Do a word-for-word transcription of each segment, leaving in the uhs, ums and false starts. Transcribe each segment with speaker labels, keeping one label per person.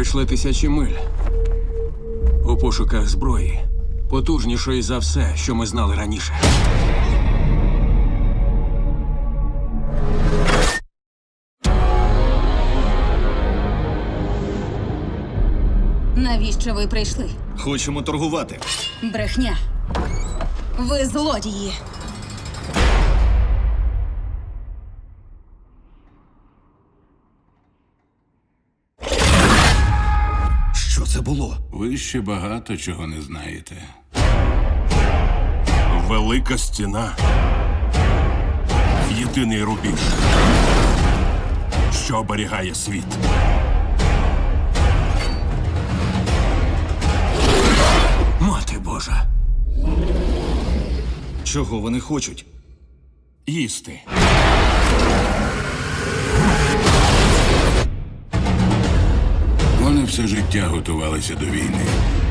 Speaker 1: пройшли тисячі миль у пошуках зброї, потужнішої за все, що ми знали раніше.
Speaker 2: Навіщо ви прийшли?
Speaker 3: Хочемо торгувати.
Speaker 2: Брехня. Ви злодії.
Speaker 3: Що це було?
Speaker 4: Ви ще багато чого не знаєте.
Speaker 5: Велика стіна. Єдиний рубіж, що оберігає світ.
Speaker 1: Мати Божа!
Speaker 3: Чого вони хочуть?
Speaker 5: Їсти.
Speaker 4: Вони все життя готувалися до війни.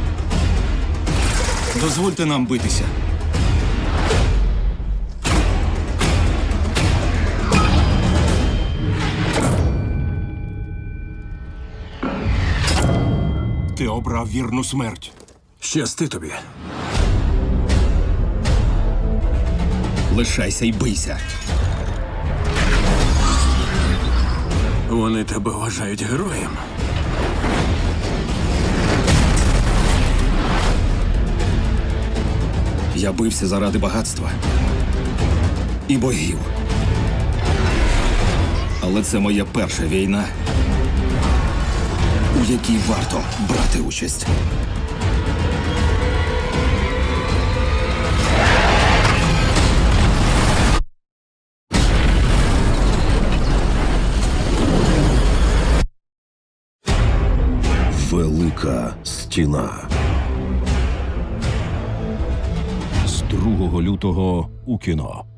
Speaker 3: Дозвольте нам битися.
Speaker 5: Ти обрав вірну смерть.
Speaker 1: Щасти тобі.
Speaker 3: Лишайся і бийся.
Speaker 1: Вони тебе вважають героєм.
Speaker 3: Я бився заради багатства і богів. Але це моя перша війна, у якій варто брати участь.
Speaker 6: Велика стіна. З другого лютого у кіно.